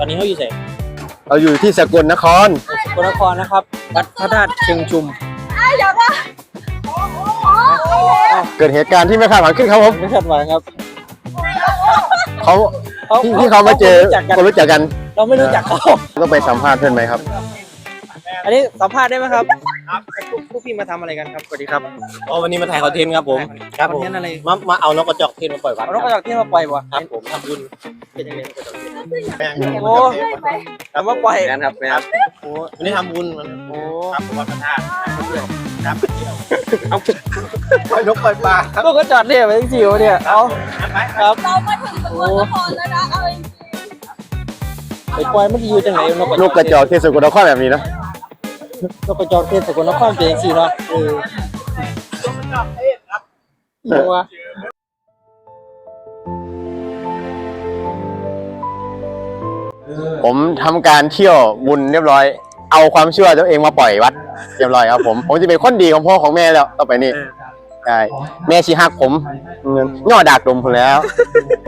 นี้เขาอยู่ไหนเราอยู่ที่สกลนครสกลนครนะครับวัดพระธาตุเชิงชุมเกิดเหตุการณ์ที่ไม่คาดฝันขึ้นครับผมไม่คาดหวังครับเขาที่เขามาเจอคนรู้จักกันเราไม่รู้จักเขาต้องไปสัมภาษณ์เพื่อนไหมครับอันนี้สัมภาษณ์ได้ไหมครับพวกพี่มาทำอะไรกันครับสวัสดีครับวันนี้มาถ่ายคอนเทนต์ครับผมครับผมคอนเทนต์อะไรมาเอานกกระจอกเทศมาปล่อยวัดเอานกกระจอกเทศมาปล่อยวะครับผมทำบุญเป็นยังไงนกกระจอกเทศโอ้เอามาปล่อยงานครับงานโอ้วันนี้ทำบุญมันโอ้ครับผมวัดพระธาตุครับปล่อยนกปล่อยปลาครับนกกระจอกเนี่ยไปจิ๋วเนี่ยเอาครับเรามาถึงสกลนครแล้วนะเอาจริงไปปล่อยมันจะอยู่จังไหนนกลูกกระจอกที่สกลนครแบบนี้นะนกกระจอกเทศสกลนครเป็นยังไงเนาะยังวะผมทำการเที่ยวบุญเรียบร้อย เอาความเชื่อตัวเองมาปล่อยวัดเรียบร้อยครับผมจะเป็นคนดีของพ่อของแม่แล้วต่อไปนี่ใช่แม่ชีฮักผมย่อดากดมผมแล้ว